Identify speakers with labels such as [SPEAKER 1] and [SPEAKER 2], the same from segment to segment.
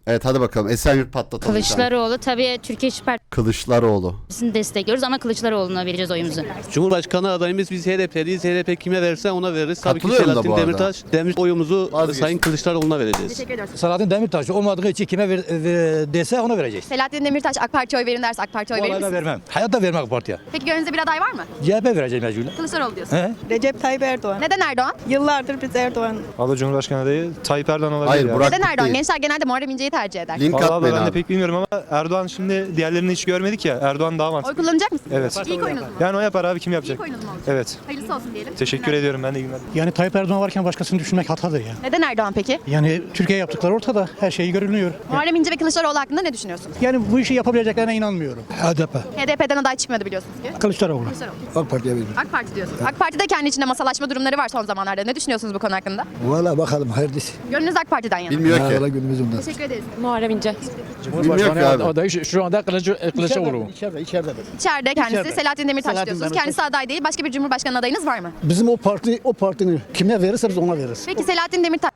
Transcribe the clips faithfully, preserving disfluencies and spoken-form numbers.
[SPEAKER 1] Evet hadi bakalım. Esenyurt patlatalım.
[SPEAKER 2] Kılıçdaroğlu tabii Türkiye İş
[SPEAKER 1] Kılıçdaroğlu.
[SPEAKER 2] Partisi'ni destekliyoruz ama Kılıçdaroğlu'na vereceğiz oyumuzu.
[SPEAKER 3] Cumhurbaşkanı adayımız biz H D P'liyiz. H D P kime verirse ona veririz. Tabii ki
[SPEAKER 1] Katılıyorum da
[SPEAKER 3] Selahattin
[SPEAKER 1] bu arada.
[SPEAKER 3] Demirtaş. Demir oyumuzu
[SPEAKER 1] Vazgeçtim.
[SPEAKER 3] Sayın Kılıçdaroğlu'na vereceğiz.
[SPEAKER 2] Teşekkür ediyoruz.
[SPEAKER 4] Selahattin Demirtaş olmadığı için kime ver, ver- dese ona vereceğiz.
[SPEAKER 5] Selahattin Demirtaş AK Parti'ye oy verin derse AK Parti'ye oy verir
[SPEAKER 4] Vallahi da
[SPEAKER 5] misiniz?
[SPEAKER 4] vermem. Hayatta vermem AK Parti'ye.
[SPEAKER 5] Peki gönlünüzde bir aday var mı?
[SPEAKER 4] C H P vereceğim mecburen.
[SPEAKER 5] Kılıçdaroğlu diyorsun.
[SPEAKER 4] He?
[SPEAKER 6] Recep Tayyip Erdoğan.
[SPEAKER 5] Neden Erdoğan?
[SPEAKER 6] Yıllardır biz Erdoğan.
[SPEAKER 7] Valla Cumhurbaşkanı adayı Tayyip Erdoğan olabilir
[SPEAKER 1] Hayır
[SPEAKER 7] ya.
[SPEAKER 1] Burak
[SPEAKER 5] Neden Erdoğan?
[SPEAKER 1] değil.
[SPEAKER 5] Gençler genelde Muharrem İnce'yi tercih eder.
[SPEAKER 1] Link
[SPEAKER 7] Vallahi
[SPEAKER 1] at
[SPEAKER 7] abla
[SPEAKER 1] beni
[SPEAKER 7] ben de
[SPEAKER 1] abi.
[SPEAKER 7] pek bilmiyorum ama Erdoğan şimdi diğerlerini hiç görmedik ya. Erdoğan daha
[SPEAKER 5] Oy
[SPEAKER 7] mantıklı.
[SPEAKER 5] kullanacak mısın?
[SPEAKER 7] Evet.
[SPEAKER 5] İlk oyunuz mu?
[SPEAKER 7] Yani o yapar abi, kim
[SPEAKER 5] İlk
[SPEAKER 7] yapacak?
[SPEAKER 5] oyunuz mu olacak?
[SPEAKER 7] Evet.
[SPEAKER 5] Hayırlısı olsun diyelim.
[SPEAKER 7] Teşekkür ediyorum, ben de iyi günler.
[SPEAKER 4] Yani Tayyip Erdoğan varken başkasını düşünmek hatadır ya.
[SPEAKER 5] Neden Erdoğan peki?
[SPEAKER 4] Yani Türkiye yaptıkları ortada. Her şeyi görünüyor.
[SPEAKER 5] Muharrem İnce ve Kılıçdaroğlu hakkında ne düşünüyorsunuz?
[SPEAKER 4] Yani bu işi yapabileceklerine inanmıyorum. H D P.
[SPEAKER 5] H D P'den aday çıkmıyordu biliyorsunuz ki.
[SPEAKER 4] Kılıçdaroğlu.
[SPEAKER 5] Kılıçdaroğlu.
[SPEAKER 4] AK Parti'ye veririm.
[SPEAKER 5] AK Parti diyorsunuz. AK Parti'de kendi içinde masalaşma durumları var son zamanlarda. Ne düşünüyorsunuz bu konu hakkında?
[SPEAKER 4] Valla bakalım hayırlısı.
[SPEAKER 5] Gönlünüz AK Parti'den yana.
[SPEAKER 1] Bilmiyor ki.
[SPEAKER 4] günümüz ondan.
[SPEAKER 5] Teşekkür ederiz.
[SPEAKER 6] Muharrem İnce.
[SPEAKER 1] Bilmiyor ki abi.
[SPEAKER 4] adayı şu anda Kılıçdaroğlu. İçeride, içeride.
[SPEAKER 5] İçeride kendisi
[SPEAKER 4] İçeride.
[SPEAKER 5] Selahattin Demirtaş
[SPEAKER 4] Selahattin
[SPEAKER 5] diyorsunuz.
[SPEAKER 4] Demirtaş.
[SPEAKER 5] Kendisi aday değil. Başka bir cumhurbaşkanı adayınız var mı?
[SPEAKER 4] Bizim o parti, o partinin kime verirse biz ona veririz.
[SPEAKER 5] Peki Selahattin Demirtaş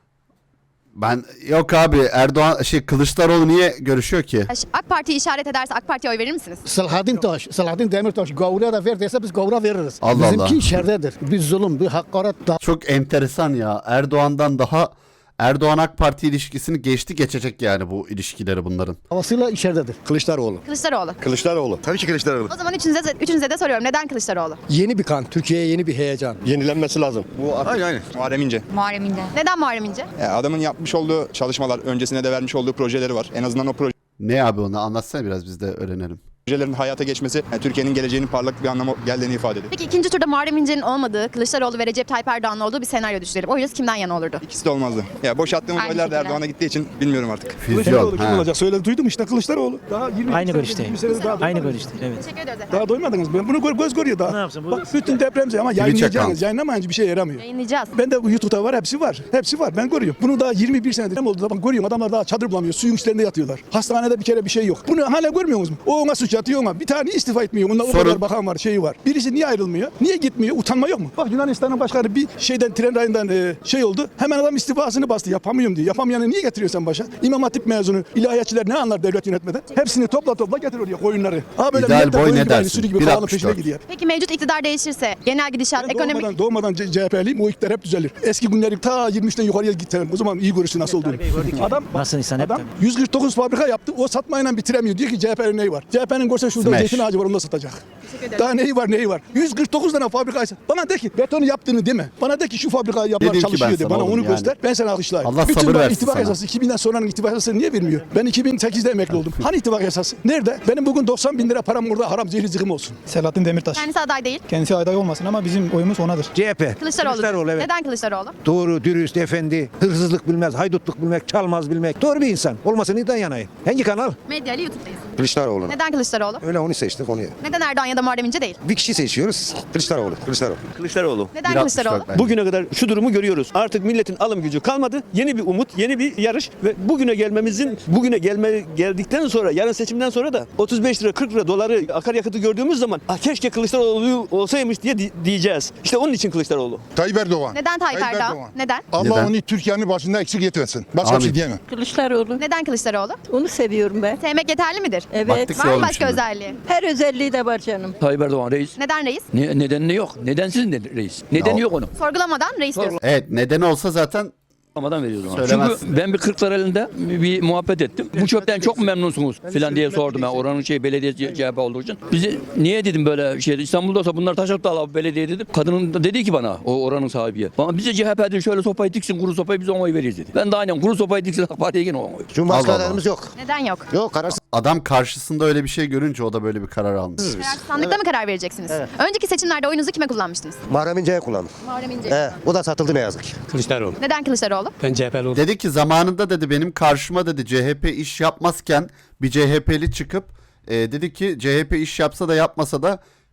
[SPEAKER 1] Ben yok abi Erdoğan şey Kılıçdaroğlu niye görüşüyor ki?
[SPEAKER 5] AK Parti'yi işaret ederse AK Parti'ye oy verir misiniz?
[SPEAKER 4] Selahattin Taş, Selahattin Demirtaş gavura da ver dese biz gavura veririz.
[SPEAKER 1] Allah
[SPEAKER 4] Bizimki
[SPEAKER 1] Allah.
[SPEAKER 4] içeridedir. Bir zulüm, bir hakaret da.
[SPEAKER 1] Çok enteresan ya. Erdoğan'dan daha Erdoğan AK Parti ilişkisini geçti geçecek yani bu ilişkileri bunların.
[SPEAKER 4] Havasıyla içeridedir.
[SPEAKER 8] Kılıçdaroğlu.
[SPEAKER 5] Kılıçdaroğlu.
[SPEAKER 8] Kılıçdaroğlu. Tabii ki Kılıçdaroğlu.
[SPEAKER 5] O zaman üçünüze de, üçünüze de soruyorum. Neden Kılıçdaroğlu?
[SPEAKER 4] Yeni bir kan, Türkiye'ye yeni bir heyecan.
[SPEAKER 8] Yenilenmesi lazım. Bu
[SPEAKER 9] Aynen aynen. Muharrem İnce.
[SPEAKER 2] Muharrem İnce.
[SPEAKER 5] Neden Muharrem İnce?
[SPEAKER 9] Yani adamın yapmış olduğu çalışmalar, öncesine de vermiş olduğu projeleri var. En azından o
[SPEAKER 1] Ne abi onu anlatsana biraz biz de öğrenelim.
[SPEAKER 9] projelerin hayata geçmesi yani Türkiye'nin geleceğinin parlak bir anlamı geldiğini ifade ediyor.
[SPEAKER 5] Peki ikinci turda Muharrem İnce'nin olmadığı, Kılıçdaroğlu ve Recep Tayyip Erdoğan'ın olduğu bir senaryo düşünelim. Oyunuz kimden yana olurdu?
[SPEAKER 9] İkisi de olmazdı. Ya boşalttığımız
[SPEAKER 5] Aynı
[SPEAKER 9] oylar da
[SPEAKER 5] şekilde.
[SPEAKER 9] Erdoğan'a gittiği için bilmiyorum artık.
[SPEAKER 1] Füzyon. Ha.
[SPEAKER 10] Söyle duydum işte Kılıçdaroğlu. Daha yirmi
[SPEAKER 4] Aynı
[SPEAKER 10] sene,
[SPEAKER 4] görüşte.
[SPEAKER 10] yirmi sene daha
[SPEAKER 4] Aynı görüşte. Evet.
[SPEAKER 5] Teşekkür ediyoruz efendim.
[SPEAKER 10] Daha doymadınız mı? Bunu gö- göz görüyor daha.
[SPEAKER 4] Ne yapsın bu?
[SPEAKER 10] Bak bütün depremze ama yayınlayacaksınız.
[SPEAKER 1] account.
[SPEAKER 10] Yayınlamayınca bir şey yaramıyor.
[SPEAKER 5] Yayınlayacağız.
[SPEAKER 10] Ben de YouTube'da var, hepsi var. Hepsi var. Ben görüyorum. Bunu daha yirmi bir senedir ne oldu da bak görüyorum. Adamlar daha çadır bulamıyor. Suyun üstlerinde yatıyorlar. Hastanede bir kere bir şey yok. Bunu hala görmüyor musunuz? O ona suç atıyor ama bir tane istifa etmiyor. Bunda o
[SPEAKER 1] Sorun.
[SPEAKER 10] kadar bakan var, şeyi var. Birisi niye ayrılmıyor? Niye gitmiyor? Utanma yok mu? Bak Yunanistan'ın başkanı bir şeyden tren rayından e, şey oldu. Hemen adam istifasını bastı. Yapamıyorum diyor. Yapamayanı niye getiriyorsun sen başa? İmam Hatip mezunu, ilahiyatçiler ne anlar devlet yönetmeden? Hepsini topla topla getir oraya koyunları. Ha böyle
[SPEAKER 1] İdeal
[SPEAKER 10] millet de
[SPEAKER 1] boy
[SPEAKER 10] koyun
[SPEAKER 1] ne
[SPEAKER 10] gibi aynı
[SPEAKER 1] dersin?
[SPEAKER 10] sürü gibi
[SPEAKER 1] bir
[SPEAKER 10] bağlı
[SPEAKER 1] altmış
[SPEAKER 10] peşine
[SPEAKER 1] dört.
[SPEAKER 10] gidiyor.
[SPEAKER 5] Peki mevcut iktidar değişirse genel gidişat,
[SPEAKER 10] Ben
[SPEAKER 5] ekonomik...
[SPEAKER 10] doğmadan, doğmadan C- CHP'liyim, o iktidar hep düzelir. Eski günleri ta yirmi üçten yukarıya gittiler. O zaman iyi görürsün nasıl olduğunu. Adam,
[SPEAKER 4] Nasıl insan hep
[SPEAKER 10] adam yüz kırk dokuz fabrika yaptı, o satmayla bitiremiyor. Diyor ki C H P'nin neyi var? C H P'nin görse şurada
[SPEAKER 1] Smash.
[SPEAKER 10] zeytin ağacı var, onu da satacak. Daha neyi var neyi var? yüz kırk dokuz tane fabrika. Bana de ki betonu yaptığını deme. Bana de ki şu fabrikayı yapılar
[SPEAKER 1] Dedim ki ben
[SPEAKER 10] çalışıyor de.
[SPEAKER 1] sana
[SPEAKER 10] Bana
[SPEAKER 1] oğlum
[SPEAKER 10] onu
[SPEAKER 1] yani.
[SPEAKER 10] göster. Ben sana alkışlayayım.
[SPEAKER 1] Allah
[SPEAKER 10] Bütün
[SPEAKER 1] sabır
[SPEAKER 10] bak
[SPEAKER 1] versin
[SPEAKER 10] ittifak
[SPEAKER 1] sana.
[SPEAKER 10] esası iki binden sonranın ittifak esası niye vermiyor? Ben iki bin sekizde emekli oldum. Hani ittifak esası? Nerede? Benim bugün doksan bin lira param burada haram zehri zıkım olsun.
[SPEAKER 7] Selahattin Demirtaş.
[SPEAKER 5] Kendisi aday değil.
[SPEAKER 7] Kendisi aday olmasın ama bizim oyumuz onadır.
[SPEAKER 8] C H P.
[SPEAKER 5] Kılıçdaroğlu. Neden Kılıçdaroğlu?
[SPEAKER 8] Doğru, dürüst, efendi, hırsızlık bilmez, haydutluk bilmek, çalmaz bilmek. Doğru bir insan. Olmasın neden yanayım? Hangi kanal?
[SPEAKER 5] Medya ile YouTube'dayız.
[SPEAKER 8] Kılıçdaroğlu.
[SPEAKER 5] Neden Kılıçdaroğlu?
[SPEAKER 8] Öyle onu seçtik onu.
[SPEAKER 5] Neden Erdoğan ya da Muharrem İnce değil?
[SPEAKER 8] Bir kişi seçiyoruz. Kılıçdaroğlu. Kılıçdaroğlu.
[SPEAKER 3] Kılıçdaroğlu.
[SPEAKER 5] Neden
[SPEAKER 1] bir altmış dört
[SPEAKER 5] Kılıçdaroğlu?
[SPEAKER 1] bence.
[SPEAKER 3] Bugüne kadar şu durumu görüyoruz. Artık milletin alım gücü kalmadı. Yeni bir umut, yeni bir yarış ve bugüne gelmemizin, bugüne gelme geldikten sonra, yarın seçimden sonra da otuz beş lira, kırk lira doları akaryakıtı gördüğümüz zaman ah, keşke Kılıçdaroğlu olsaymış diye di- diyeceğiz. İşte onun için Kılıçdaroğlu.
[SPEAKER 11] Tayyip Erdoğan.
[SPEAKER 5] Neden Tayyip
[SPEAKER 11] Tayyip
[SPEAKER 5] Erdoğan?
[SPEAKER 11] Erdoğan.
[SPEAKER 5] Neden?
[SPEAKER 11] Allah
[SPEAKER 1] Neden?
[SPEAKER 11] onu Türkiye'nin başında eksik etmesin. Başka bir
[SPEAKER 1] Amin.
[SPEAKER 11] şey diyemem.
[SPEAKER 6] Kılıçdaroğlu.
[SPEAKER 5] Neden Kılıçdaroğlu?
[SPEAKER 6] Onu seviyorum ben.
[SPEAKER 5] Sevmek yeterli midir?
[SPEAKER 6] Evet.
[SPEAKER 1] Baktık
[SPEAKER 5] Var mı
[SPEAKER 1] oğlum
[SPEAKER 5] başka
[SPEAKER 1] şimdi.
[SPEAKER 5] özelliği?
[SPEAKER 6] Her özelliği de var canım.
[SPEAKER 12] Tayyip Erdoğan reis.
[SPEAKER 5] Neden reis?
[SPEAKER 12] Ne, nedeni yok. Nedensiz ne, reis. Nedeni
[SPEAKER 1] Ya-
[SPEAKER 12] yok onun.
[SPEAKER 5] Sorgulamadan reis diyorsun.
[SPEAKER 1] Evet nedeni olsa zaten
[SPEAKER 12] Amadan veriyorum.
[SPEAKER 1] Söylemezsin.
[SPEAKER 12] Çünkü ben bir kırklar elinde bir muhabbet ettim. Bu çöpten çok mu memnunsunuz filan diye sordum ben. Oranın şey belediye C H P olduğu için. Bizi niye dedim böyle şey İstanbul'da olsa bunlar taşak da al belediye dedim. Kadının da dedi ki bana o oranın sahibi. Bana bize C H P'de şöyle sopayı diksin kuru sopayı biz ona oy veririz dedi. Ben de aynen kuru sopayı diksin AK Parti'ye yine ona oy.
[SPEAKER 8] Cumhurbaşkanı
[SPEAKER 1] Allah Allah.
[SPEAKER 8] adayımız yok.
[SPEAKER 5] Neden yok?
[SPEAKER 8] Yok, kararsız.
[SPEAKER 1] adam karşısında öyle bir şey görünce o da böyle bir karar almış.
[SPEAKER 5] Kararsız sandıkta mı karar vereceksiniz? Önceki seçimlerde oyunuzu kime kullanmıştınız?
[SPEAKER 8] Muharrem İnce'ye kullandım.
[SPEAKER 5] Muharrem İnce.
[SPEAKER 8] He, o da satıldı ne yazık ki.
[SPEAKER 3] Kılıçdaroğlu.
[SPEAKER 5] Neden Kılıçdaroğlu?
[SPEAKER 3] Ben C H P'li
[SPEAKER 1] Dedi ki zamanında dedi benim karşıma dedi C H P iş yapmazken bir C H P'li çıkıp e, dedi ki C H P iş yapsa da yapmasa da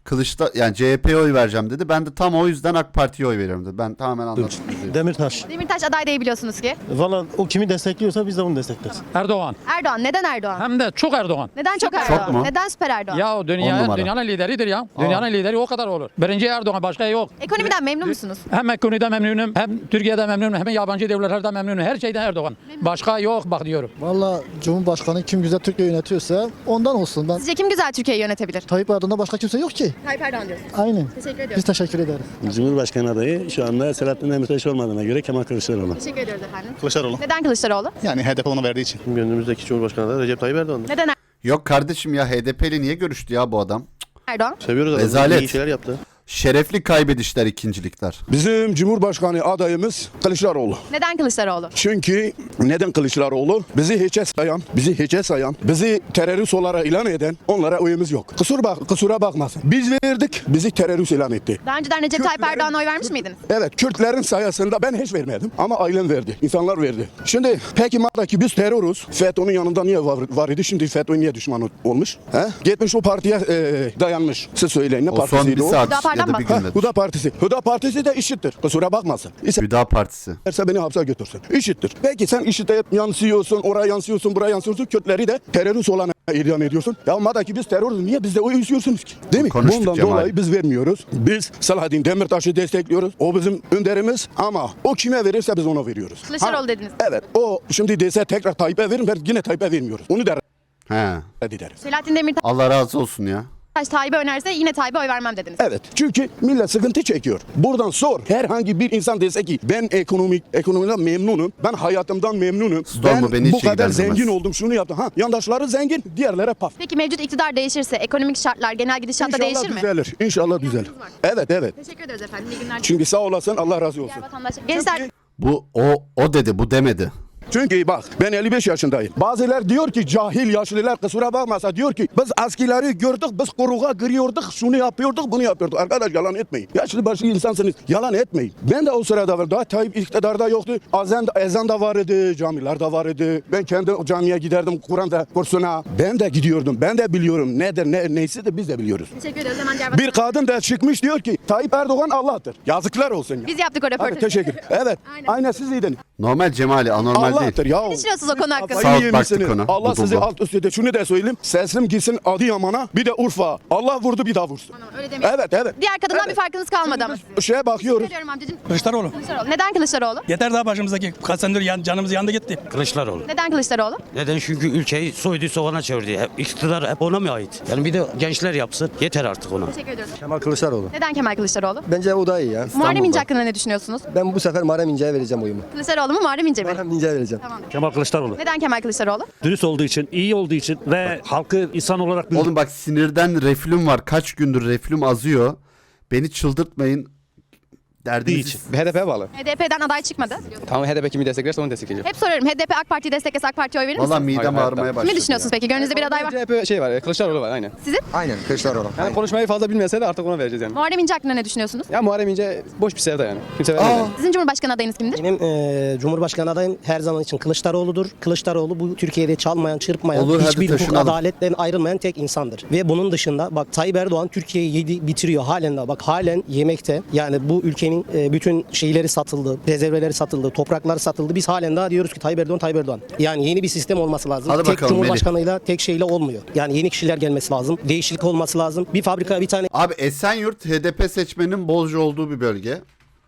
[SPEAKER 1] Kılıçda yani C H P'ye oy vereceğim dedi. Ben de tam o yüzden AK Parti'ye oy veriyorum dedi. Ben tamamen anladım.
[SPEAKER 13] Demirtaş.
[SPEAKER 5] Demirtaş aday değil biliyorsunuz ki.
[SPEAKER 13] Valla o kimi destekliyorsa biz de onu destekleriz.
[SPEAKER 7] Erdoğan.
[SPEAKER 5] Erdoğan. Neden Erdoğan?
[SPEAKER 7] Hem de çok Erdoğan.
[SPEAKER 5] Neden çok Erdoğan?
[SPEAKER 1] mu?
[SPEAKER 5] Neden süper Erdoğan?
[SPEAKER 7] Ya o
[SPEAKER 1] On
[SPEAKER 7] dünya,
[SPEAKER 1] numara.
[SPEAKER 7] dünyanın lideridir ya. Dünyanın lideri o kadar olur. Birinci Erdoğan, başka yok.
[SPEAKER 5] Ekonomiden memnun musunuz?
[SPEAKER 7] Hem ekonomide memnunum, hem Türkiye'de memnunum, hem yabancı devletlerde memnunum. Her şeyden Erdoğan. Başka yok bak diyorum.
[SPEAKER 4] Valla Cumhurbaşkanı kim güzel Türkiye yönetiyorsa ondan olsun. Ben
[SPEAKER 5] Sizce kim güzel Türkiye'yi yönetebilir?
[SPEAKER 4] Tayyip Erdoğan'da başka kimse yok ki.
[SPEAKER 5] Tayyip Erdoğan diyorsunuz.
[SPEAKER 4] Aynen.
[SPEAKER 5] Teşekkür ediyorum.
[SPEAKER 4] Biz teşekkür ederiz.
[SPEAKER 13] Cumhurbaşkanı adayı şu anda Selahattin Demirtaş olmadığına göre Kemal Kılıçdaroğlu.
[SPEAKER 5] Teşekkür ediyoruz efendim.
[SPEAKER 11] Kılıçdaroğlu.
[SPEAKER 5] Neden Kılıçdaroğlu?
[SPEAKER 11] Yani H D P ona verdiği için.
[SPEAKER 13] Gönlümüzdeki Cumhurbaşkanı adayı Recep Tayyip Erdoğan.
[SPEAKER 5] Neden
[SPEAKER 1] Yok kardeşim ya H D P'li niye görüştü ya bu adam?
[SPEAKER 5] Erdoğan?
[SPEAKER 13] Seviyoruz adamı.
[SPEAKER 1] Rezalet.
[SPEAKER 13] İyi şeyler yaptı.
[SPEAKER 1] Şerefli kaybedişler ikincilikler.
[SPEAKER 11] Bizim Cumhurbaşkanı adayımız Kılıçdaroğlu.
[SPEAKER 5] Neden Kılıçdaroğlu?
[SPEAKER 11] Çünkü neden Kılıçdaroğlu? Bizi hiçe sayan, bizi hiçe sayan, bizi terörist olarak ilan eden onlara oyumuz yok. Kusur bak, kusura bakmasın. Biz verdik, bizi terörist ilan etti.
[SPEAKER 5] Daha önceden Recep Tayyip
[SPEAKER 11] Kürtlerin-
[SPEAKER 5] Erdoğan'a oy vermiş miydiniz?
[SPEAKER 11] Evet, Kürtlerin sayesinde ben hiç vermedim ama ailem verdi, insanlar verdi. Şimdi peki madem biz terörüz, FETÖ'nün yanında niye var, var idi? Şimdi FETÖ niye düşman olmuş? He? Gitmiş o partiye e, dayanmış. Siz söyleyin ne
[SPEAKER 1] O son
[SPEAKER 11] partisiydi
[SPEAKER 1] bir
[SPEAKER 11] o?
[SPEAKER 1] saat
[SPEAKER 5] Hüdapar'dan
[SPEAKER 1] ya da
[SPEAKER 5] mı?
[SPEAKER 1] bir
[SPEAKER 11] Ha,
[SPEAKER 1] günde.
[SPEAKER 11] Huda Partisi. Huda Partisi de işittir. Kusura bakmasın.
[SPEAKER 1] Hüda Partisi.
[SPEAKER 11] İsterse beni hapse götürsün. İşittir. Peki sen işite yansıyorsun, oraya yansıyorsun, buraya yansıyorsun. Kürtleri de terörist olan ilan ediyorsun. Ya madem ki biz terörüz, niye bizde oy istiyorsunuz ki? Değil mi?
[SPEAKER 1] Konuştuk
[SPEAKER 11] Bundan
[SPEAKER 1] Cemal.
[SPEAKER 11] dolayı biz vermiyoruz. Biz Selahattin Demirtaş'ı destekliyoruz. O bizim önderimiz ama o kime verirse biz ona veriyoruz.
[SPEAKER 5] Kılıçdaroğlu
[SPEAKER 11] Ha,
[SPEAKER 5] dediniz.
[SPEAKER 11] Evet. O şimdi dese tekrar Tayyip'e verin, ben yine Tayyip'e vermiyoruz. Onu da
[SPEAKER 1] He.
[SPEAKER 11] reddederiz.
[SPEAKER 5] Selahattin Demirtaş
[SPEAKER 1] Allah razı olsun ya.
[SPEAKER 5] Tayyip'e önerse yine Tayyip'e oy vermem dediniz.
[SPEAKER 11] Evet. Çünkü millet sıkıntı çekiyor. Buradan sor. Herhangi bir insan dese ki ben ekonomik ekonomiden memnunum. Ben hayatımdan memnunum.
[SPEAKER 1] Storm'u
[SPEAKER 11] ben
[SPEAKER 1] beni
[SPEAKER 11] bu
[SPEAKER 1] hiç
[SPEAKER 11] kadar
[SPEAKER 1] ilgilendirmez.
[SPEAKER 11] zengin oldum. Şunu yaptım. Ha, yandaşları zengin, diğerlere paf.
[SPEAKER 5] Peki mevcut iktidar değişirse ekonomik şartlar genel gidişatta
[SPEAKER 11] İnşallah
[SPEAKER 5] değişir mi?
[SPEAKER 11] düzelir. İnşallah düzelir. Evet, evet.
[SPEAKER 5] Teşekkür ederiz efendim. İyi günler.
[SPEAKER 11] Çünkü sağ olasın. Allah razı olsun.
[SPEAKER 5] Diğer vatandaşlar. Gençler
[SPEAKER 1] Bu o o dedi bu demedi.
[SPEAKER 11] Çünkü bak ben elli beş yaşındayım. Bazılar diyor ki cahil yaşlılar kusura bakmasa diyor ki biz askileri gördük biz kuruğa giriyorduk şunu yapıyorduk bunu yapıyorduk. Arkadaş yalan etmeyin. Yaşlı başlı insansınız yalan etmeyin. Ben de o sırada var. Daha Tayyip iktidarda yoktu. Ezan, ezan da vardı, camiler de vardı. Ben kendi camiye giderdim Kur'an da kursuna. Ben de gidiyordum. Ben de biliyorum nedir ne neyse de biz de biliyoruz.
[SPEAKER 5] teşekkür ederiz. Hemen diğer
[SPEAKER 11] Bir
[SPEAKER 5] vatandaşlar.
[SPEAKER 11] kadın da çıkmış diyor ki Tayyip Erdoğan Allah'tır. Yazıklar olsun ya.
[SPEAKER 5] Biz yaptık o
[SPEAKER 11] Hadi
[SPEAKER 5] röportajı.
[SPEAKER 11] teşekkür. Evet.
[SPEAKER 5] Aynen.
[SPEAKER 11] Aynen siz iyiydiniz.
[SPEAKER 1] Normal Cemali anormal
[SPEAKER 11] Allah'tır
[SPEAKER 1] değil.
[SPEAKER 11] ya.
[SPEAKER 5] Ne düşünüyorsunuz o konu hakkında?
[SPEAKER 1] Sağ ol,
[SPEAKER 11] Kafayı
[SPEAKER 1] baktık
[SPEAKER 11] yemişsiniz.
[SPEAKER 1] ona.
[SPEAKER 11] Allah
[SPEAKER 1] Tutuldu.
[SPEAKER 11] sizi alt üst etti. Şunu da söyleyeyim. Sesim gitsin Adıyaman'a bir de Urfa. Allah vurdu bir daha vursun.
[SPEAKER 5] Öyle demeyin.
[SPEAKER 11] Evet evet.
[SPEAKER 5] Diğer kadından
[SPEAKER 11] Evet.
[SPEAKER 5] bir farkınız kalmadı ama. sizin.
[SPEAKER 11] Şeye bakıyoruz.
[SPEAKER 5] Söylüyorum amcacığım.
[SPEAKER 10] Kılıçdaroğlu.
[SPEAKER 5] Kılıçdaroğlu. Neden Kılıçdaroğlu?
[SPEAKER 10] Yeter daha başımızdaki kaç senedir yan, canımız yandı gitti.
[SPEAKER 13] Kılıçdaroğlu.
[SPEAKER 5] Neden Kılıçdaroğlu?
[SPEAKER 13] Neden? Çünkü ülkeyi soydu soğana çevirdi. Hep, iktidar hep ona mı ait? Yani bir de gençler yapsın. Yeter artık ona.
[SPEAKER 5] Teşekkür ediyoruz.
[SPEAKER 8] Kemal Kılıçdaroğlu.
[SPEAKER 5] Neden Kemal Kılıçdaroğlu?
[SPEAKER 8] Bence o da iyi ya.
[SPEAKER 5] Muharrem İnce hakkında ne düşünüyorsunuz?
[SPEAKER 8] Ben bu sefer Muharrem İnce'ye vereceğim oyumu.
[SPEAKER 5] Kılıçdaroğlu mu Muharrem İnce mi?
[SPEAKER 8] İnce'ye vereceğim.
[SPEAKER 5] Tamam.
[SPEAKER 13] Kemal Kılıçdaroğlu.
[SPEAKER 5] Neden Kemal Kılıçdaroğlu?
[SPEAKER 13] Dürüst olduğu için, iyi olduğu için ve halkı insan olarak
[SPEAKER 1] Oğlum bak sinirden reflüm var. Kaç gündür reflüm azıyor. Beni çıldırtmayın. Derdinizi...
[SPEAKER 9] H D P'ye bağlı.
[SPEAKER 5] H D P'den aday çıkmadı.
[SPEAKER 9] Tamam H D P kimi desteklerse onu destekleyeceğim.
[SPEAKER 5] Hep soruyorum. H D P AK Parti'yi desteklese AK Parti'ye oy verir
[SPEAKER 1] Valla
[SPEAKER 5] misiniz?
[SPEAKER 1] midem
[SPEAKER 9] Hayır,
[SPEAKER 1] ağrımaya
[SPEAKER 9] hayatta.
[SPEAKER 1] başladı.
[SPEAKER 5] Ne düşünüyorsunuz peki? Gönlünüzde bir aday var.
[SPEAKER 9] C H P şey var, Kılıçdaroğlu var aynen.
[SPEAKER 5] Sizin?
[SPEAKER 8] Aynen Kılıçdaroğlu.
[SPEAKER 9] Yani konuşmayı fazla bilmese de artık ona vereceğiz yani.
[SPEAKER 5] Muharrem İnce hakkında ne düşünüyorsunuz?
[SPEAKER 9] Ya Muharrem İnce boş bir sevda yani. Kimse vermez yani.
[SPEAKER 5] Sizin Cumhurbaşkanı adayınız kimdir?
[SPEAKER 13] Benim e, Cumhurbaşkanı adayım her zaman için Kılıçdaroğlu'dur. Kılıçdaroğlu bu Türkiye'de çalmayan, çırpmayan,
[SPEAKER 1] Olur, hadi
[SPEAKER 13] hiçbir hukuk
[SPEAKER 1] taşınalım.
[SPEAKER 13] adaletten ayrılmayan tek insandır. Ve bunun dışında bak Tayyip Erdoğan Türkiye'yi yedi bitiriyor halen de. Bak halen yemekte. Yani bu ülkenin e, bütün şeyleri satıldı, rezerveleri satıldı, topraklar satıldı. Biz halen daha diyoruz ki Tayyip Erdoğan, Tayyip Erdoğan. Yani yeni bir sistem olması lazım.
[SPEAKER 1] Hadi
[SPEAKER 13] tek
[SPEAKER 1] bakalım,
[SPEAKER 13] Cumhurbaşkanıyla, tek şeyle olmuyor. Yani yeni kişiler gelmesi lazım. Değişiklik olması lazım. Bir fabrika, bir tane
[SPEAKER 1] Abi Esenyurt H D P seçmeninin bolca olduğu bir bölge.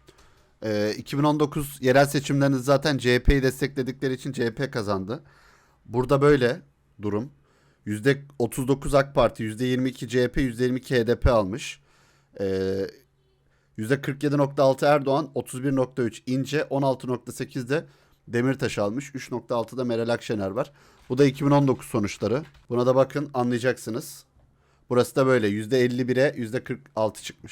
[SPEAKER 1] Ee, iki bin on dokuz yerel seçimlerinde zaten C H P'yi destekledikleri için C H P kazandı. Burada böyle durum. yüzde otuz dokuz AK Parti, yüzde yirmi iki C H P, yüzde yirmi iki H D P almış. Ee, yüzde kırk yedi nokta altı Erdoğan, otuz bir nokta üç İnce, on altı nokta sekiz de Demirtaş almış. üç nokta altıda Meral Akşener var. Bu da iki bin on dokuz sonuçları. Buna da bakın anlayacaksınız. Burası da böyle yüzde elli bire yüzde kırk altı çıkmış.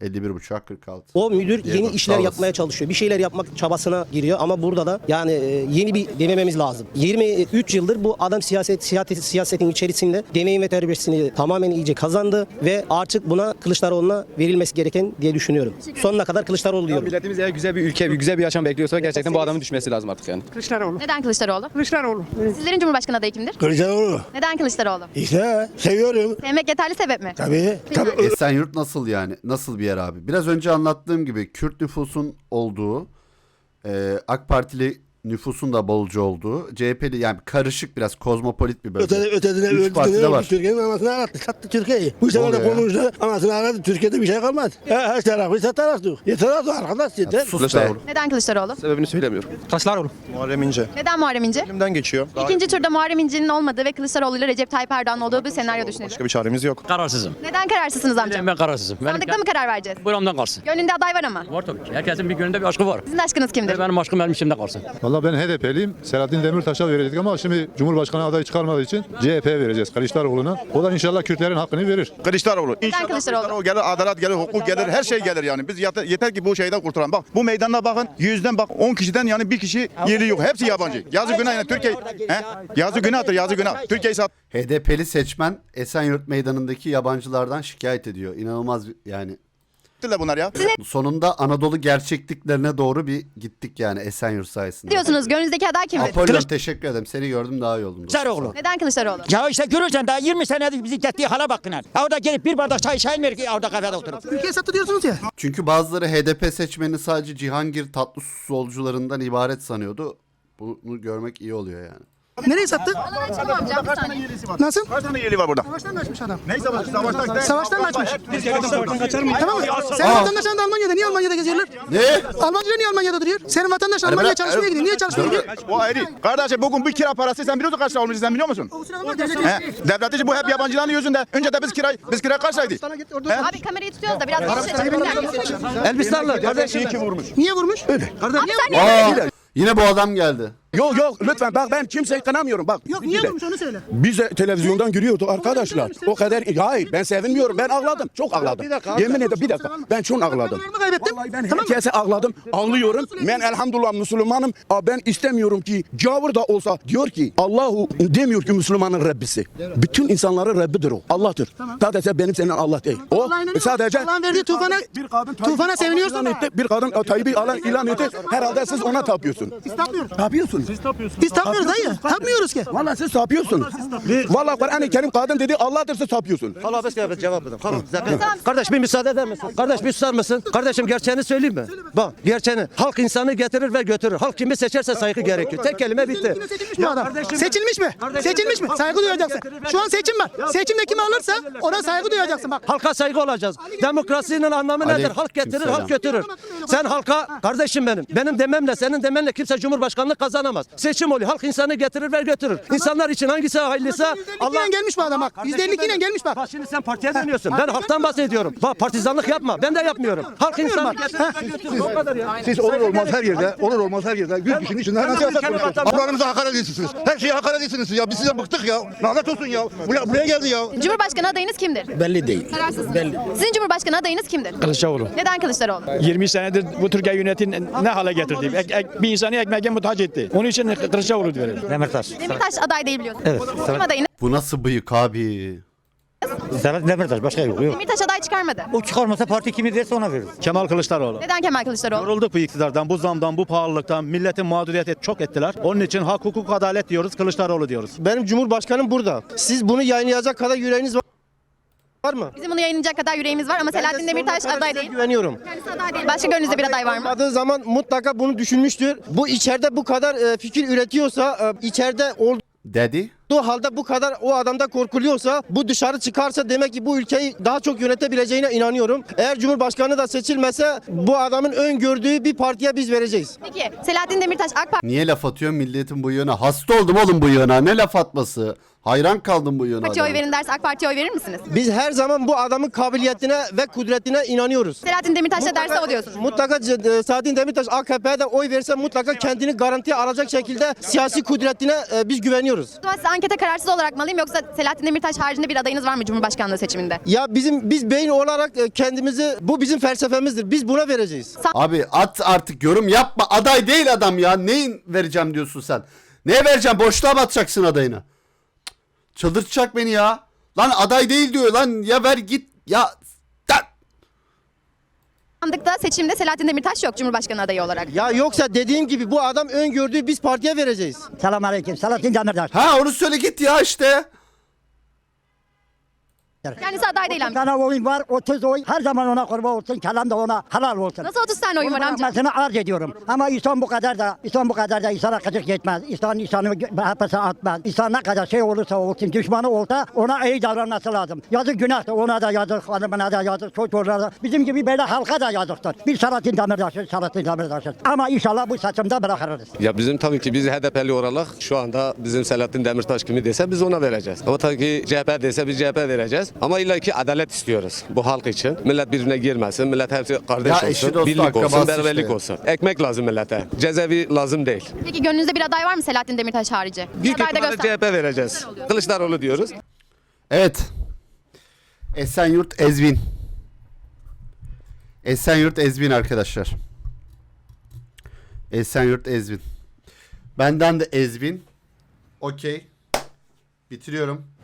[SPEAKER 1] elli bir buçuğa kırk altı.
[SPEAKER 13] O müdür
[SPEAKER 1] Diye
[SPEAKER 13] yeni
[SPEAKER 1] bak,
[SPEAKER 13] işler
[SPEAKER 1] sağ
[SPEAKER 13] yapmaya
[SPEAKER 1] olasın.
[SPEAKER 13] çalışıyor. Bir şeyler yapmak çabasına giriyor ama burada da yani e, yeni bir denememiz lazım. yirmi üç yıldır bu adam siyaset, siyaset siyasetin içerisinde deneyim ve tecrübesini tamamen iyice kazandı ve artık buna Kılıçdaroğlu'na verilmesi gereken diye düşünüyorum. Sonuna kadar Kılıçdaroğlu diyorum.
[SPEAKER 9] Milletimiz eğer güzel bir ülke, güzel bir yaşam bekliyorsa gerçekten bu adamın düşmesi lazım artık yani.
[SPEAKER 6] Kılıçdaroğlu.
[SPEAKER 5] Neden Kılıçdaroğlu?
[SPEAKER 6] Kılıçdaroğlu.
[SPEAKER 5] Sizlerin Cumhurbaşkanı adayı kimdir?
[SPEAKER 4] Kılıçdaroğlu.
[SPEAKER 5] Neden Kılıçdaroğlu?
[SPEAKER 4] İşte seviyorum.
[SPEAKER 5] Sevmek yeterli sebep mi?
[SPEAKER 4] Tabii. Tabii.
[SPEAKER 1] Esenyurt nasıl yani? Nasıl bir yer abi? Biraz önce anlattığım gibi Kürt nüfusun olduğu, e, AK Partili nüfusun da bolca olduğu, C H P'li yani karışık biraz kozmopolit bir bölge.
[SPEAKER 4] Ötedine
[SPEAKER 1] Üç parti de var.
[SPEAKER 4] Türkiye'nin anasını ağlattı. Sattı Türkiye'yi. Bu sefer de
[SPEAKER 1] oluyor ya?
[SPEAKER 4] konuştu. Anasını ağlattı. Türkiye'de bir şey kalmadı. Her, her tarafı satarız. Yeter artık arkadaş yeter.
[SPEAKER 1] Sus be.
[SPEAKER 5] Neden Kılıçdaroğlu?
[SPEAKER 9] Sebebini söylemiyorum.
[SPEAKER 7] Kılıçdaroğlu.
[SPEAKER 9] Muharrem İnce.
[SPEAKER 5] Neden Muharrem İnce?
[SPEAKER 9] Elimden geçiyor.
[SPEAKER 5] İkinci turda Muharrem İnce'nin olmadığı ve Kılıçdaroğlu ile Recep Tayyip Erdoğan'ın olduğu bir senaryo düşünelim.
[SPEAKER 9] Başka bir çaremiz yok.
[SPEAKER 7] Kararsızım.
[SPEAKER 5] Neden kararsızsınız amcam?
[SPEAKER 7] Ben kararsızım.
[SPEAKER 5] Sandıkta mı karar vereceğiz?
[SPEAKER 7] Buramdan kalsın.
[SPEAKER 5] Gönlünde aday var ama.
[SPEAKER 7] Var tabii ki. Herkesin bir gönlünde bir aşkı var.
[SPEAKER 5] Sizin aşkınız kimdir?
[SPEAKER 7] Benim aşkım benim içimde kalsın.
[SPEAKER 14] Valla ben H D P'liyim. Selahattin Demirtaş'a verecektik ama şimdi Cumhurbaşkanı adayı çıkarmadığı için C H P'ye vereceğiz Kılıçdaroğlu'na. O da inşallah Kürtlerin hakkını verir.
[SPEAKER 11] Kılıçdaroğlu.
[SPEAKER 5] Neden Kılıçdaroğlu?
[SPEAKER 11] gelir, adalet gelir, hukuk gelir, her şey gelir yani. Biz yeter, yeter ki bu şeyden kurtulalım. Bak bu meydana bakın, yüzden bak on kişiden yani bir kişi yerli yok. Hepsi yabancı. Yazı günah yani Türkiye. He? Yazı günahtır, yazı günah. Türkiye'yi sat.
[SPEAKER 1] H D P'li seçmen Esenyurt Meydanı'ndaki yabancılardan şikayet ediyor. İnanılmaz bir- yani.
[SPEAKER 11] bunlar ya.
[SPEAKER 1] Sonunda Anadolu gerçekliklerine doğru bir gittik yani Esenyurt sayesinde.
[SPEAKER 5] Diyorsunuz gönlünüzdeki aday kimdir?
[SPEAKER 1] Apollon teşekkür ederim. Seni gördüm daha iyi oldum. dostum.
[SPEAKER 7] Kılıçdaroğlu.
[SPEAKER 5] Neden Kılıçdaroğlu?
[SPEAKER 7] Ya işte görürsen daha yirmi senedir bizi gittiği hala bakın. Orada gelip bir bardak çay içeyim ki orada kafede oturup.
[SPEAKER 4] Ülkeyi sattı diyorsunuz ya.
[SPEAKER 1] Çünkü bazıları H D P seçmeni sadece Cihangir tatlı solcularından ibaret sanıyordu. Bunu görmek iyi oluyor yani.
[SPEAKER 4] Nereye sattı?
[SPEAKER 5] Açalım amcam bir saniye.
[SPEAKER 4] Nasıl?
[SPEAKER 11] Kaç tane yerli var burada?
[SPEAKER 4] Savaştan kaçmış adam.
[SPEAKER 11] Neyse bak savaştan.
[SPEAKER 4] Savaştan kaçmış. Tamam mı? Senin vatandaşların da Almanya'da. Niye Almanya'da geziyorlar?
[SPEAKER 1] Ne?
[SPEAKER 4] Almancılar niye Almanya'da duruyor? Senin vatandaşın Almanya'ya çalışmaya gidiyor. Niye çalışmaya gidiyor?
[SPEAKER 11] O ayrı. Kardeşim bugün bir kira parası sen biliyorsun kaç lira olmuş sen biliyor musun? He? Devlet için bu hep yabancıların yüzünden. Önce de biz kira biz kira kaç liraydı?
[SPEAKER 5] Abi kamerayı tutuyoruz da biraz geri
[SPEAKER 8] Elbistanlı kardeşim.
[SPEAKER 11] Kim vurmuş?
[SPEAKER 4] Niye vurmuş?
[SPEAKER 11] Öyle.
[SPEAKER 5] Abi sen niye?
[SPEAKER 1] Aa, yine bu adam geldi.
[SPEAKER 11] Yok yok lütfen bak ben kimseyi kınamıyorum bak.
[SPEAKER 4] Yok niye vurmuş onu söyle.
[SPEAKER 11] Biz de televizyondan görüyorduk arkadaşlar. O kadar hayır ben sevinmiyorum. Ben ağladım. Çok ağladım. Yemin ederim bir dakika. Ben çok ağladım.
[SPEAKER 4] Kararımı kaybettim.
[SPEAKER 11] Vallahi ben herkese ağladım. Ağlıyorum. Ben elhamdülillah Müslümanım. Ama ben istemiyorum ki gavur da olsa diyor ki Allahu demiyor ki Müslümanın Rabbisi. Bütün insanların Rabbidir o. Allah'tır. Sadece benim senin Allah değil. O sadece
[SPEAKER 4] Allah'ın verdiği tufana,
[SPEAKER 11] bir kadın
[SPEAKER 4] tufana seviniyorsun.
[SPEAKER 11] ilan etti. Bir kadın Tayyip'i alan ilan etti. Herhalde siz ona tapıyorsun.
[SPEAKER 4] Biz tapmıyoruz.
[SPEAKER 11] Tapıyorsun.
[SPEAKER 4] Biz tapmıyoruz dayı. Tapmıyoruz ki.
[SPEAKER 11] Vallahi siz tapıyorsunuz. Vallahi Kur'an-ı Kerim kadın dedi Allah'tır siz tapıyorsun.
[SPEAKER 8] Allah bes cevap edin. Kardeş bir müsaade eder misin? Kardeş bir susar mısın? Kardeşim gerçeğini söyleyeyim mi? Bak gerçeğini. Halk insanı getirir ve götürür. Halk kimi seçerse saygı gerekiyor. Tek kelime bitti.
[SPEAKER 4] Seçilmiş mi adam? Seçilmiş mi? Seçilmiş mi? Saygı duyacaksın. Şu an seçim var. Seçimde kimi alırsa ona saygı duyacaksın bak.
[SPEAKER 8] Halka saygı olacağız. Demokrasinin anlamı
[SPEAKER 1] Ali,
[SPEAKER 8] nedir? Halk getirir,
[SPEAKER 1] kimselam.
[SPEAKER 8] halk götürür. Sen halka, kardeşim benim, benim dememle, senin demenle kimse cumhurbaşkanlığı kazanamaz. Seçim oluyor. Halk insanı getirir ve götürür. İnsanlar için hangisi hayırlıysa
[SPEAKER 4] Allah gelmiş bu adam bak. yüzde elli iki ile gelmiş bak.
[SPEAKER 8] Bak şimdi sen partiye dönüyorsun. Ben halktan bahsediyorum. Bak partizanlık yapma. Ben de yapmıyorum. Halk insanı getirir ve götürür. O kadar ya.
[SPEAKER 14] Siz olur olmaz her yerde, olur olmaz her yerde yüz kişinin içinde nasıl yasak konuşuyorsunuz? Ablalarımıza hakaret ediyorsunuz. Her şeye hakaret ediyorsunuz ya. Biz sizden bıktık ya. Lanet olsun ya. Buraya, buraya geldi ya.
[SPEAKER 5] Cumhurbaşkanı adayınız kimdir?
[SPEAKER 4] Belli değil.
[SPEAKER 5] Kararsız. Belli. Sizin Cumhurbaşkanı adayınız kimdir?
[SPEAKER 10] Kılıçdaroğlu.
[SPEAKER 5] Neden Kılıçdaroğlu?
[SPEAKER 10] yirmi senedir bu Türkiye yönetini ne hale getirdi? Ek, ek, bir insanı ekmeğe muhtaç etti. Onun için Kılıçdaroğlu diyorum.
[SPEAKER 8] Demirtaş.
[SPEAKER 5] Demirtaş aday değil biliyorsunuz. Evet. Kim adayınız?
[SPEAKER 1] Bu nasıl bıyık abi?
[SPEAKER 8] Serhat Demirtaş başka yok.
[SPEAKER 5] Demirtaş aday çıkarmadı.
[SPEAKER 8] O çıkarmasa parti kimi derse ona verir.
[SPEAKER 10] Kemal Kılıçdaroğlu.
[SPEAKER 5] Neden Kemal Kılıçdaroğlu?
[SPEAKER 10] Yorulduk bu iktidardan, bu zamdan, bu pahalılıktan, milletin mağduriyeti çok ettiler. Onun için hak, hukuk, adalet diyoruz, Kılıçdaroğlu diyoruz.
[SPEAKER 8] Benim cumhurbaşkanım burada. Siz bunu yayınlayacak kadar yüreğiniz var. Var mı?
[SPEAKER 5] Bizim bunu yayınlayacak kadar yüreğimiz var ama Selahattin Demirtaş aday değil.
[SPEAKER 8] Güveniyorum.
[SPEAKER 5] Kendisi aday değil. Başka gönlünüzde bir aday var mı?
[SPEAKER 8] Olmadığı zaman mutlaka bunu düşünmüştür. Bu içeride bu kadar e, fikir üretiyorsa, e, içeride olduğu
[SPEAKER 1] Dedi.
[SPEAKER 8] halde bu kadar o adamda korkuluyorsa, bu dışarı çıkarsa demek ki bu ülkeyi daha çok yönetebileceğine inanıyorum. Eğer Cumhurbaşkanı da seçilmese bu adamın öngördüğü bir partiye biz vereceğiz.
[SPEAKER 5] Peki Selahattin Demirtaş AK Parti
[SPEAKER 1] Niye laf atıyor milletin bıyığına? Hasta oldum oğlum bıyığına. Ne laf atması? Hayran kaldım bu yönü
[SPEAKER 5] Parti'ye oy
[SPEAKER 1] adama.
[SPEAKER 5] verin derse AK Parti'ye oy verir misiniz?
[SPEAKER 8] Biz her zaman bu adamın kabiliyetine ve kudretine inanıyoruz.
[SPEAKER 5] Selahattin Demirtaş da derse o diyorsunuz.
[SPEAKER 8] Mutlaka e, Selahattin Demirtaş A K P'ye de oy verirse mutlaka kendini garantiye alacak şekilde siyasi kudretine e, biz güveniyoruz.
[SPEAKER 5] O zaman size ankete kararsız olarak mı alayım yoksa Selahattin Demirtaş haricinde bir adayınız var mı Cumhurbaşkanlığı seçiminde?
[SPEAKER 8] Ya bizim biz beyin olarak e, kendimizi bu bizim felsefemizdir. Biz buna vereceğiz.
[SPEAKER 1] Abi at artık, yorum yapma. Aday değil adam ya. Neyin vereceğim diyorsun sen? Neye vereceğim? Boşluğa mı atacaksın adayını? Cık, çıldırtacak beni ya. Lan aday değil diyor lan. Ya ver git. Ya da-
[SPEAKER 5] Sandıkta seçimde Selahattin Demirtaş yok Cumhurbaşkanı adayı olarak.
[SPEAKER 8] Ya yoksa dediğim gibi bu adam öngördüğü biz partiye vereceğiz.
[SPEAKER 13] Selamünaleyküm. Selahattin Demirtaş.
[SPEAKER 1] Ha onu söyle git ya işte.
[SPEAKER 5] Kendisi aday değil amca.
[SPEAKER 13] tane oyun var. otuz oy. Her zaman ona kurban olsun. Kelam da ona halal olsun.
[SPEAKER 5] Nasıl otuz tane oyun var amca?
[SPEAKER 13] Onu arz ediyorum. Ama insan bu kadar da insan bu kadar da insana kıcık yetmez. İnsan insanı hapse atmaz. İnsan ne kadar şey olursa olsun, düşmanı olsa ona iyi davranması lazım. Yazık günah da ona da yazık, hanımına da yazık, çocuğuna da. Bizim gibi böyle halka da yazıktır. Bir Selahattin Demirtaş'ın, Selahattin Demirtaş'ın. Ama inşallah bu seçimde bırakırız.
[SPEAKER 15] Ya bizim tabii ki biz H D P'li olarak şu anda bizim Selahattin Demirtaş kimi dese biz ona vereceğiz. Ama tabii ki C H P dese biz C H P vereceğiz. Ama illa ki adalet istiyoruz bu halk için. Millet birbirine girmesin. Millet hepsi kardeş
[SPEAKER 1] Ya eşi
[SPEAKER 15] olsun.
[SPEAKER 1] dostu,
[SPEAKER 15] Birlik olsun,
[SPEAKER 1] akrabası
[SPEAKER 15] beraberlik
[SPEAKER 1] işte.
[SPEAKER 15] olsun. Ekmek lazım millete. Cezaevi lazım değil.
[SPEAKER 5] Peki gönlünüzde bir aday var mı Selahattin Demirtaş harici? Bir
[SPEAKER 15] Büyük
[SPEAKER 5] aday da
[SPEAKER 15] ihtimalle
[SPEAKER 5] göster.
[SPEAKER 15] C H P vereceğiz. Kılıçdaroğlu diyoruz.
[SPEAKER 1] Evet. Esenyurt Ezvin. Esenyurt Ezvin arkadaşlar. Esenyurt Ezvin. Benden de Ezvin. Okey. Bitiriyorum.